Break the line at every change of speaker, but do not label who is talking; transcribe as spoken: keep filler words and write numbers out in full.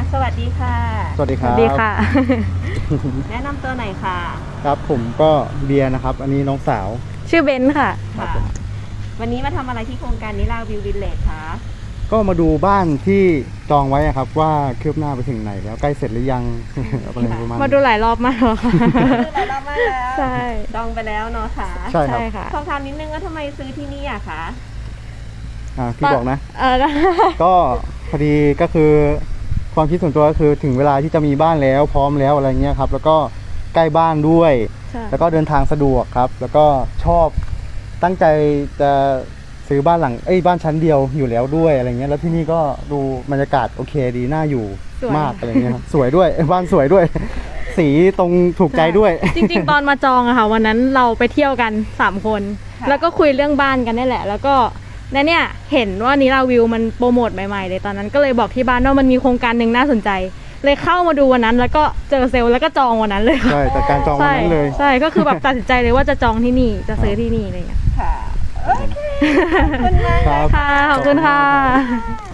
สวัสดีค่ะ
สวัสดีครับ
สวัสดีค่ะ
แนะนำตัวหน่อยค่ะ
ครับผมก็เบียร์นะครับ อันนี้น้องสาว
ชื่อเบนซ์ค่ะ
ครับ
ค่ะ
ผม
วันนี้มาทำอะไรที่โครงการนิราวิววิลเลจคะ
ก็มาดูบ้านที่จองไว้อะครับว่าคืบหน้าไปถึงไหนแล้วใกล้เสร็จหรือยัง อะไรประมาณ
มาดูหลายรอบมากแล้วค่ะ
ซื้อหลายรอบมากแล้ว
ใช่
จองไปแล้วเนาะค่ะ
ใช่ครับ
ใช่ค่ะ
สอบถามนิดนึงว่าทำไมซื้อที่นี่อะคะ
อ่าพี่บอกนะ
เออ
ก็พอดีก็คือความคิดส่วนตัวก็คือถึงเวลาที่จะมีบ้านแล้วพร้อมแล้วอะไรเงี้ยครับแล้วก็ใกล้บ้านด้วย
ใช่
แล้วก็เดินทางสะดวกครับ แล้วก็ชอบตั้งใจจะซื้อบ้านหลังเอ้ยบ้านชั้นเดียวอยู่แล้วด้วยอะไรเงี้ยแล้วที่นี่ก็ดูบรรยากาศโอเคดีน่าอยู่มากอะไรเงี้ยครับสวยด้วยบ้านสวยด้วย สีตรงถูกใจด้วย
จริงๆ ตอนมาจองอะค่ะ วันนั้นเราไปเที่ยวกันสามคน
ค่ะ
แล้วก็คุยเรื่องบ้านกันนี่แหละ แล้วก็แล้วเนี่ยเห็นว่านิราวิวมันโปรโมทใหม่ๆเลยตอนนั้นก็เลยบอกที่บ้านว่ามันมีโครงการหนึ่งน่าสนใจ เลยเข้ามาดูวันนั้น แล้วก็เจอเซลล์แล้วก็จองวันนั้นเลยค่ะ
ใช่แต่การจองวัน
ใช่
นั้นเลย
ใช่ก็คือแบบตัดสินใจเลยว่าจะจองที่นี่จะซื้อที่นี่อะไรอย่างเงี้ย
ค่ะ โอเค ขอบคุณมาก
ครับ
ค่ะขอบคุณค่ะ